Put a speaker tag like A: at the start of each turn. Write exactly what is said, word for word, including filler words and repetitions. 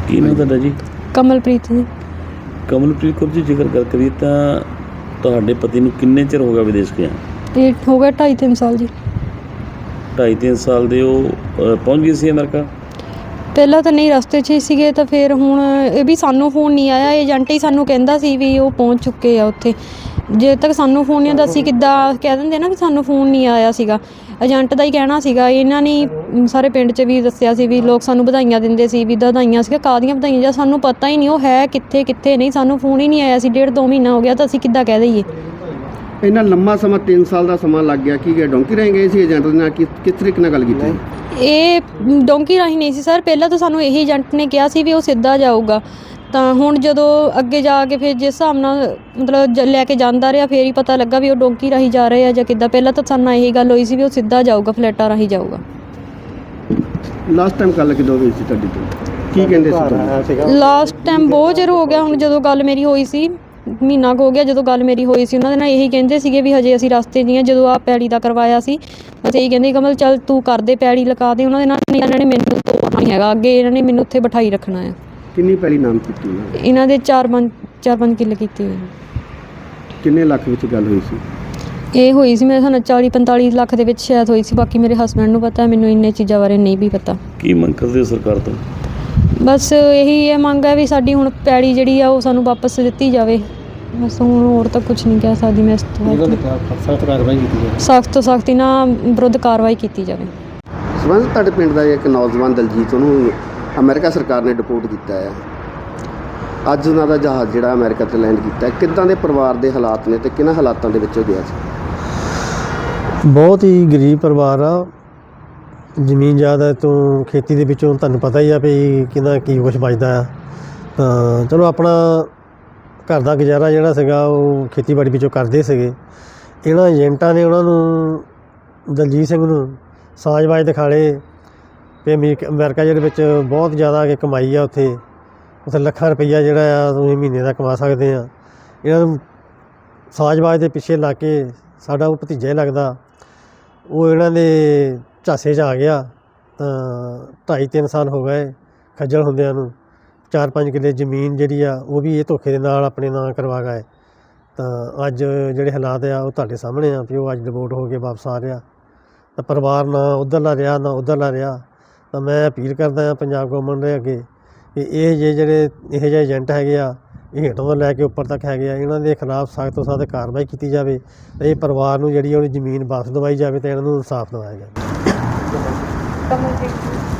A: ਕੀ ਨਾਮ ਤੁਹਾਡਾ ਜੀ?
B: ਕਮਲਪ੍ਰੀਤ ਜੀ।
A: ਕਮਲਪ੍ਰੀਤ ਕੌਰ ਜੀ, ਜ਼ਿਕਰ ਗੱਲ ਕਰੀਏ ਤਾਂ ਤੁਹਾਡੇ ਪਤੀ ਨੂੰ ਕਿੰਨੇ ਚਿਰ ਹੋ ਗਿਆ ਵਿਦੇਸ਼ ਗਿਆ?
B: ਇਹ ਹੋ ਗਿਆ ਢਾਈ ਤਿੰਨ ਸਾਲ ਜੀ।
A: ਢਾਈ ਤਿੰਨ ਸਾਲ ਦੇ ਉਹ ਅ, ਪਹੁੰਚ ਗਏ ਸੀ ਅਮਰੀਕਾ?
B: ਪਹਿਲਾਂ ਤਾਂ ਨਹੀਂ, ਰਸਤੇ 'ਚ ਹੀ ਸੀਗੇ, ਤਾਂ ਫਿਰ ਹੁਣ ਇਹ ਵੀ ਸਾਨੂੰ ਫੋਨ ਨਹੀਂ ਆਇਆ। ਏਜੰਟ ਹੀ ਸਾਨੂੰ ਕਹਿੰਦਾ ਸੀ ਵੀ ਉਹ ਪਹੁੰਚ ਚੁੱਕੇ ਆ ਉੱਥੇ। ਜੇ ਤੱਕ ਸਾਨੂੰ ਫੋਨ ਨਹੀਂ ਆਉਂਦਾ, ਅਸੀਂ ਕਿੱਦਾਂ ਕਹਿ ਦਿੰਦੇ ਨਾ ਵੀ ਸਾਨੂੰ ਫੋਨ ਨਹੀਂ ਆਇਆ ਸੀਗਾ। ਏਜੰਟ ਦਾ ਹੀ ਕਹਿਣਾ ਸੀਗਾ। ਇਹਨਾਂ ਨੇ ਸਾਰੇ ਪਿੰਡ 'ਚ ਵੀ ਦੱਸਿਆ ਸੀ ਵੀ ਲੋਕ ਸਾਨੂੰ ਵਧਾਈਆਂ ਦਿੰਦੇ ਸੀ ਵੀ ਵਧਾਈਆਂ ਸੀਗਾ, ਕਾਹਦੀਆਂ ਵਧਾਈਆਂ, ਜਾਂ ਸਾਨੂੰ ਪਤਾ ਹੀ ਨਹੀਂ ਉਹ ਹੈ ਕਿੱਥੇ ਕਿੱਥੇ ਨਹੀਂ। ਸਾਨੂੰ ਫੋਨ ਹੀ ਨਹੀਂ ਆਇਆ ਸੀ, ਡੇਢ ਦੋ ਮਹੀਨਾ ਹੋ ਗਿਆ, ਤਾਂ ਅਸੀਂ ਕਿੱਦਾਂ ਕਹਿ ਦਈਏ।
C: ਇੰਨਾ ਲੰਮਾ ਸਮਾਂ ਤਿੰਨ ਸਾਲ ਦਾ ਸਮਾਂ ਲੱਗ ਗਿਆ। ਕੀ ਗਿਆ ਡੋਂਕੀ ਰਾਹੀਂ ਗਏ ਸੀ ਏਜੰਟ ਦੇ ਨਾਲ? ਕਿਸ ਕਿਸ ਤਰੀਕੇ ਨਾਲ ਗੱਲ ਕੀਤੀ?
B: ਇਹ ਡੋਂਕੀ ਰਾਹੀਂ ਨਹੀਂ ਸੀ ਸਰ। ਪਹਿਲਾਂ ਤਾਂ ਸਾਨੂੰ ਇਹੀ ਏਜੰਟ ਨੇ ਕਿਹਾ ਸੀ ਵੀ ਉਹ ਸਿੱਧਾ ਜਾਊਗਾ। ਤਾਂ ਹੁਣ ਜਦੋਂ ਅੱਗੇ ਜਾ ਕੇ ਫਿਰ ਜਿਸ ਹਿਸਾਬ ਨਾਲ ਮਤਲਬ ਜ ਲੈ ਕੇ ਜਾਂਦਾ ਰਿਹਾ, ਫਿਰ ਹੀ ਪਤਾ ਲੱਗਾ ਵੀ ਉਹ ਡੋਂਕੀ ਰਾਹੀਂ ਜਾ ਰਹੇ ਆ ਜਾਂ ਕਿੱਦਾਂ। ਪਹਿਲਾਂ ਤਾਂ ਸਾਨੂੰ ਇਹੀ ਗੱਲ ਹੋਈ ਸੀ ਵੀ ਉਹ ਸਿੱਧਾ ਜਾਊਗਾ, ਫਲੈਟਾਂ ਰਾਹੀਂ ਜਾਊਗਾ।
C: ਲਾਸਟ ਟਾਈਮ ਗੱਲ ਕਿਦੋਂ ਹੋਈ ਸੀ ਤੁਹਾਡੀ ਤੋਂ? ਕੀ ਕਹਿੰਦੇ ਸੀ ਤੁਹਾਨੂੰ?
B: ਲਾਸਟ ਟਾਈਮ ਬਹੁਤ ਚਿਰ ਹੋ ਗਿਆ ਹੁਣ, ਜਦੋਂ ਗੱਲ ਮੇਰੀ ਹੋਈ ਸੀ ਮਹੀਨਾ ਕੁ ਹੋ ਗਿਆ ਜਦੋਂ ਗੱਲ ਮੇਰੀ ਹੋਈ ਸੀ। ਉਹਨਾਂ ਦੇ ਨਾਲ ਇਹੀ ਕਹਿੰਦੇ ਸੀਗੇ ਵੀ ਹਜੇ ਅਸੀਂ ਰਸਤੇ 'ਚ ਹੀ ਹਾਂ। ਜਦੋਂ ਆਹ ਪੈੜੀ ਦਾ ਕਰਵਾਇਆ ਸੀ, ਅਸੀਂ ਇਹੀ ਕਹਿੰਦੇ ਕਮਲ ਚੱਲ ਤੂੰ ਕਰਦੇ, ਪੈੜੀ ਲਗਾ ਦੇ। ਉਹਨਾਂ ਦੇ ਨਾਲ ਇਹਨਾਂ ਨੇ ਮੈਨੂੰ ਤੋੜਨਾ ਨਹੀਂ ਹੈਗਾ, ਅੱਗੇ ਇਹਨਾਂ ਨੇ ਮੈਨੂੰ ਉੱਥੇ ਬਿਠਾਈ ਰੱਖਣਾ ਹੈ।
C: ਕਿੰਨੀ ਪੈਲੀ ਨਾਮ ਕੀਤੀ ਉਹਨਾਂ ਨੇ?
B: ਇਹਨਾਂ ਦੇ ਚਾਰ ਪੰਜ ਚਾਰ ਪੰਜ ਕਿੱਲੇ ਕੀਤੇ ਹੋਏ ਨੇ।
C: ਕਿੰਨੇ ਲੱਖ ਵਿੱਚ ਗੱਲ ਹੋਈ ਸੀ?
B: ਇਹ ਹੋਈ ਸੀ ਮੇਰੇ ਸਾਨੂੰ ਚਾਲੀ ਪੰਤਾਲੀ ਲੱਖ ਦੇ ਵਿੱਚ ਸ਼ਾਇਦ ਹੋਈ ਸੀ। ਬਾਕੀ ਮੇਰੇ ਹਸਬੈਂਡ ਨੂੰ ਪਤਾ, ਮੈਨੂੰ ਇੰਨੇ ਚੀਜ਼ਾਂ ਬਾਰੇ ਨਹੀਂ ਵੀ ਪਤਾ।
A: ਕੀ ਮੰਗ ਕਰਦੇ ਹੋ ਸਰਕਾਰ ਤੋਂ?
B: ਬਸ ਇਹੀ ਇਹ ਮੰਗ ਹੈ ਵੀ ਸਾਡੀ ਹੁਣ ਪੈੜੀ ਜਿਹੜੀ ਆ ਉਹ ਸਾਨੂੰ ਵਾਪਸ ਦਿੱਤੀ ਜਾਵੇ। ਬਸ ਹੁਣ ਹੋਰ ਤਾਂ ਕੁਝ ਨਹੀਂ ਕਹਿ ਸਕਦੀ ਮੈਂ ਇਸ ਤੋਂ।
C: ਸਖਤ ਕਾਰਵਾਈ ਕੀਤੀ ਜਾਵੇ।
B: ਸਖਤ ਤੋਂ ਸਖਤੀ ਨਾਲ ਵਿਰੁੱਧ ਕਾਰਵਾਈ ਕੀਤੀ ਜਾਵੇ।
C: ਸਬੰਧ ਤੁਹਾਡੇ ਪਿੰਡ ਦਾ ਇੱਕ ਨੌਜਵਾਨ ਦਲਜੀਤ, ਉਹਨੂੰ ਅਮਰੀਕਾ ਸਰਕਾਰ ਨੇ ਡਿਪੋਰਟ ਕੀਤਾ ਹੈ। ਅੱਜ ਉਹਨਾਂ ਦਾ ਜਹਾਜ਼ ਜਿਹੜਾ ਅਮਰੀਕਾ 'ਤੇ ਲੈਂਡ ਕੀਤਾ ਹੈ। ਕਿੱਦਾਂ ਦੇ ਪਰਿਵਾਰ ਦੇ ਹਾਲਾਤ ਨੇ ਅਤੇ ਕਿਹਨਾਂ ਹਾਲਾਤਾਂ ਦੇ ਵਿੱਚ ਉਹ ਗਿਆ ਸੀ?
D: ਬਹੁਤ ਹੀ ਗਰੀਬ ਪਰਿਵਾਰ ਆ। ਜ਼ਮੀਨ ਜ਼ਿਆਦਾ ਤੋਂ ਖੇਤੀ ਦੇ ਵਿੱਚੋਂ ਤੁਹਾਨੂੰ ਪਤਾ ਹੀ ਆ ਵੀ ਕਿਹਦਾ ਕੀ ਕੁਛ ਬਚਦਾ ਆ। ਤਾਂ ਚਲੋ ਆਪਣਾ ਘਰ ਦਾ ਗੁਜ਼ਾਰਾ ਜਿਹੜਾ ਸੀਗਾ ਉਹ ਖੇਤੀਬਾੜੀ ਵਿੱਚੋਂ ਕਰਦੇ ਸੀਗੇ। ਇਹਨਾਂ ਏਜੰਟਾਂ ਨੇ ਉਹਨਾਂ ਨੂੰ, ਦਲਜੀਤ ਸਿੰਘ ਨੂੰ ਸਾਜ਼ਬਾਜ਼ ਦਿਖਾਲੇ ਵੀ ਅਮਰੀਕਾ ਅਮਰੀਕਾ ਜਿਹੜੇ ਵਿੱਚ ਬਹੁਤ ਜ਼ਿਆਦਾ ਕਿ ਕਮਾਈ ਆ। ਉੱਥੇ ਉੱਥੇ ਲੱਖਾਂ ਰੁਪਈਆ ਜਿਹੜਾ ਆ ਤੁਸੀਂ ਮਹੀਨੇ ਦਾ ਕਮਾ ਸਕਦੇ ਆ। ਇਹਨਾਂ ਨੂੰ ਸਾਜ਼ਬਾਜ਼ ਦੇ ਪਿੱਛੇ ਲਾ ਕੇ ਸਾਡਾ ਉਹ ਭਤੀਜਾ ਹੀ ਲੱਗਦਾ, ਉਹ ਇਹਨਾਂ ਦੇ ਝਾਸੇ 'ਚ ਆ ਗਿਆ। ਤਾਂ ਢਾਈ ਤਿੰਨ ਸਾਲ ਹੋ ਗਏ ਖੱਜਲ ਹੁੰਦਿਆਂ ਨੂੰ। ਚਾਰ ਪੰਜ ਕਿੱਲੇ ਜ਼ਮੀਨ ਜਿਹੜੀ ਆ ਉਹ ਵੀ ਇਹ ਧੋਖੇ ਦੇ ਨਾਲ ਆਪਣੇ ਨਾਂ ਕਰਵਾ ਗਏ। ਤਾਂ ਅੱਜ ਜਿਹੜੇ ਹਾਲਾਤ ਆ ਉਹ ਤੁਹਾਡੇ ਸਾਹਮਣੇ ਆ ਵੀ ਉਹ ਅੱਜ ਡਿਵੋਰਟ ਹੋ ਕੇ ਵਾਪਸ ਆ ਰਿਹਾ। ਤਾਂ ਪਰਿਵਾਰ ਨਾ ਉੱਧਰਲਾ ਰਿਹਾ ਨਾ ਉੱਧਰਲਾ ਰਿਹਾ। ਤਾਂ ਮੈਂ ਅਪੀਲ ਕਰਦਾ ਹਾਂ ਪੰਜਾਬ ਗੌਰਮੈਂਟ ਦੇ ਅੱਗੇ ਕਿ ਇਹ ਜੇ ਜਿਹੜੇ ਇਹੋ ਜਿਹੇ ਏਜੰਟ ਹੈਗੇ ਆ, ਇਹ ਹੇਠੋਂ ਤੋਂ ਲੈ ਕੇ ਉੱਪਰ ਤੱਕ ਹੈਗੇ ਆ, ਇਹਨਾਂ ਦੇ ਖਿਲਾਫ ਸਖਤ ਤੋਂ ਸਖਤ ਕਾਰਵਾਈ ਕੀਤੀ ਜਾਵੇ ਅਤੇ ਇਹ ਪਰਿਵਾਰ ਨੂੰ ਜਿਹੜੀ ਉਹਦੀ ਜ਼ਮੀਨ ਵਾਪਸ ਦਵਾਈ ਜਾਵੇ ਅਤੇ ਇਹਨਾਂ ਨੂੰ ਇਨਸਾਫ ਦਿਵਾਇਆ ਜਾਵੇ।